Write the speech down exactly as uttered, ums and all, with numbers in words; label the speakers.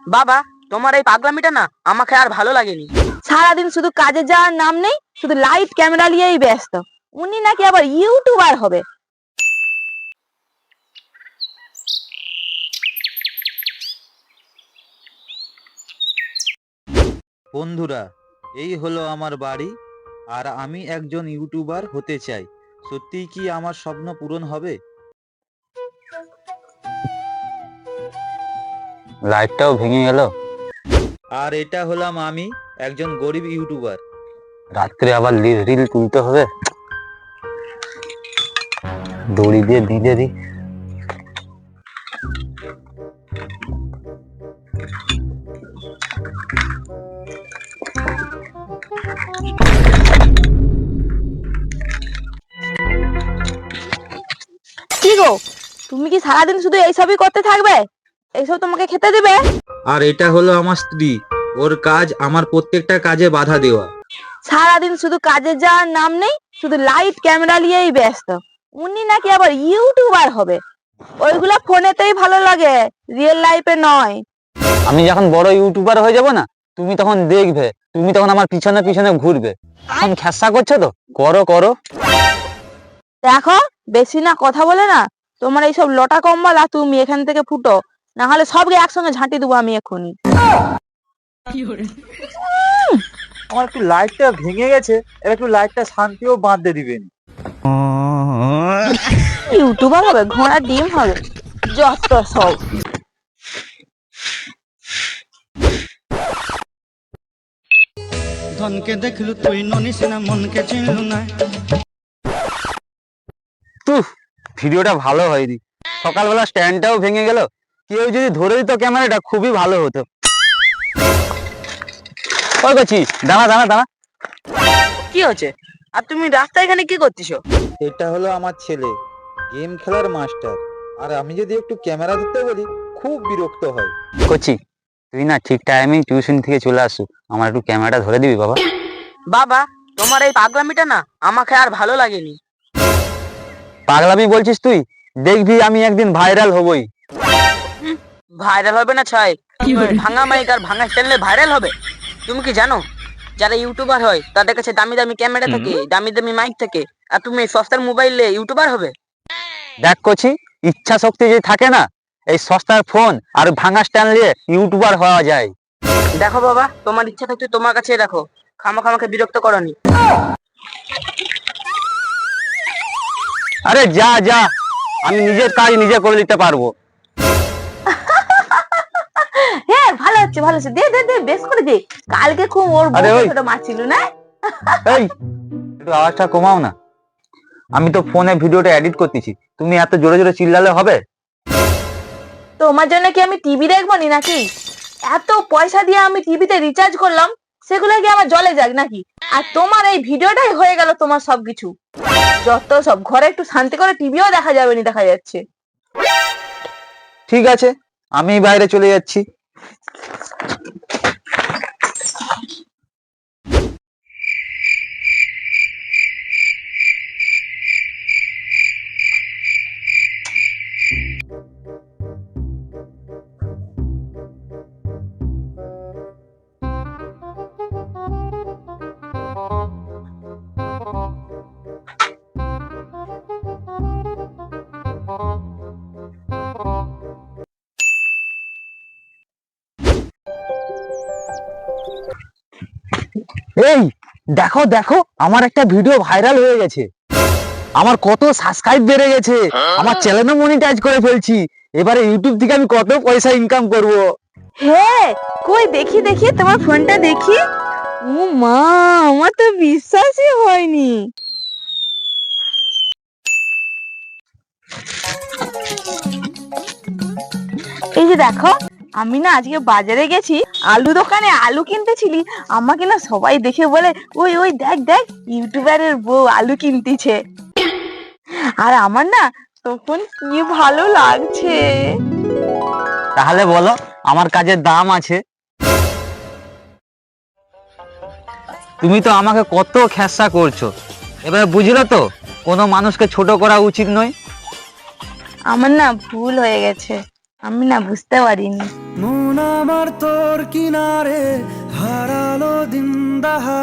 Speaker 1: বাবা, তোমার এই পাগলামিটা না আমাকে আর ভালো লাগেনি।
Speaker 2: সারাদিন শুধু কাজে যাওয়ার নাম নেই, শুধু লাইট ক্যামেরা নিয়েই ব্যস্ত। উনি নাকি আবার ইউটিউবার হবে।
Speaker 3: বন্ধুরা, এই হলো আমার বাড়ি, আর আমি একজন ইউটিউবার হতে চাই। সত্যিই কি আমার স্বপ্ন পূরণ হবে?
Speaker 4: লাইটটাও ভেঙে গেল।
Speaker 3: আর এটা হলাম আমি, একজন গরিব ইউটিউবার।
Speaker 4: রাত্রে আবার রিল তুলতে হবে, দড়ি দিয়ে বেঁধে দিই।
Speaker 2: কি গো, তুমি কি সারাদিন শুধু এইসবই করতে থাকবে? এইসব তোমাকে খেতে দিবে?
Speaker 3: আর এটা হলো আমার স্ত্রী, ওর কাজ আমার প্রত্যেকটা কাজে বাধা দেওয়া।
Speaker 2: সারাদিন শুধু কাজে যাওয়ার নাম নেই, শুধু লাইট ক্যামেরা নিয়েই ব্যস্ত। উনি নাকি আবার ইউটিউবার হবে। ওইগুলা ফোনেতেই ভালো লাগে, রিয়েল লাইফে নয়।
Speaker 4: আমি যখন বড় ইউটিউবার হয়ে যাব না, তুমি তখন দেখবে, তুমি তখন আমার পিছনে পিছনে ঘুরবে। এখন খেসা করছো তো, করো করো।
Speaker 2: দেখো, বেশি না কথা বলে না, তোমার এইসব লটা কম্বলা তুমি এখান থেকে ফুটো, না হলে সবকে একসঙ্গে ঝাঁটি দেবো আমি এক্ষুনি।
Speaker 3: আমার একটু লাইটটা ভেঙে গেছে, এবার একটু লাইটটা শান্তিও বাঁধতে দিবেন।
Speaker 2: ইউটিউবার হবে, ঘোড়া ডিম হবে, যত সব।
Speaker 5: ধনকে দেখলু তুই ননিস না, মনকে চিনলু না।
Speaker 4: তুহ, ভিডিওটা ভালো হয়নি। সকালবেলা স্ট্যান্ডটাও ভেঙে গেল। কেউ যদি ধরে দিত ক্যামেরাটা, খুবই ভালো হতো। ওই করছি, দাঁড়া দাঁড়া দাঁড়া।
Speaker 1: কি হচ্ছে? আর তুমি রাস্তায় এখানে কি করতেছো?
Speaker 3: এটা হলো আমার ছেলে, গেম খেলার মাস্টার। আর আমি যদি একটু ক্যামেরা ধরতে বলি, খুব বিরক্ত হয়।
Speaker 4: করছি, তুই না ঠিক টাইমে টিউশন থেকে চলে আসু, আমার একটু ক্যামেরাটা ধরে দিবি বাবা।
Speaker 1: বাবা, তোমার এই পাগলামিটা না আমাকে আর ভালো লাগেনি।
Speaker 4: পাগলামি বলছিস তুই? দেখবি আমি একদিন ভাইরাল হবই।
Speaker 1: ভাইরাল হবে না ছয়, ভাঙা মাইক আর ভাঙা চ্যানেলে ভাইরাল হবে। তুমি কি জানো, যারা ইউটিউবার হয় তাদের কাছে দামি দামি ক্যামেরা থাকে, দামি দামি মাইক থাকে, আর তুমি এই সস্তার মোবাইলে ইউটিউবার হবে?
Speaker 4: দেখ করছি, ইচ্ছা শক্তি যে থাকে না, এই সস্তার ফোন আর ভাঙা স্ট্যান্ড নিয়ে ইউটিউবার হওয়া যায়।
Speaker 1: দেখো বাবা, তোমার ইচ্ছা থাকতে তোমার কাছে রাখো, খামা খামাকে বিরক্ত করনি।
Speaker 4: আরে যা যা, আমি নিজের কাজ নিজে করে নিতে পারবো।
Speaker 2: হ্যাঁ, ভালো হচ্ছে ভালো হচ্ছে, দে দে দে, বেশ করে দে। কালকে খুব ওর
Speaker 4: আরে ওই।
Speaker 2: ছোট মারছিল না।
Speaker 4: এই, একটু আওয়াজটা কমাও না, আমি তো ফোনে ভিডিওটা এডিট করতেছি। তুমি এত জোরে জোরে চিল্লালে হবে?
Speaker 2: তোমার জন্য কি আমি টিভি দেখবো নি নাকি? এত পয়সা দিয়ে আমি টিভিতে রিচার্জ করলাম, সেগুলো কি আমার জলে যাক নাকি? আর তোমার এই ভিডিওটাই হয়ে গেল তোমার সবকিছু। যত সব, ঘরে একটু শান্তি করে টিভিও দেখা যাবে না, দেখা যাচ্ছে।
Speaker 4: ঠিক আছে, আমি বাইরে চলে যাচ্ছি। এই দেখো দেখো, আমার একটা ভিডিও ভাইরাল হয়ে গেছে। আমার কত সাবস্ক্রাইব বেড়ে গেছে, আমার চ্যানেলও মনিটাইজ করে ফেলছি। এবারে ইউটিউব থেকে আমি কত পয়সা ইনকাম করব।
Speaker 2: হ্যাঁ, কই দেখি দেখি তোমার ফোনটা দেখি। ও মা, আমার তো বিশ্বাসই হয়নি। এই যে দেখো, আমি না আজকে বাজারে গেছি, আলু দোকানে আলু কিনতেছিলি। আমাকে না সবাই দেখে বলে, ওই ওই দেখ দেখ, ইউটিউবারের বউ আলু কিনতেছে। আর আমার না তখন কি ভালো লাগছে।
Speaker 4: তাহলে বলো, আমার কাজের দাম আছে? তুমি তো আমাকে কত খেসা করছো, এবারে বুঝলো তো কোনো মানুষকে ছোট করা উচিত নয়।
Speaker 2: আমার না ভুল হয়ে গেছে। আমি না বুঝতে পারিনি।
Speaker 5: মন আমার তোর কিনারে হারালো দিন দাহার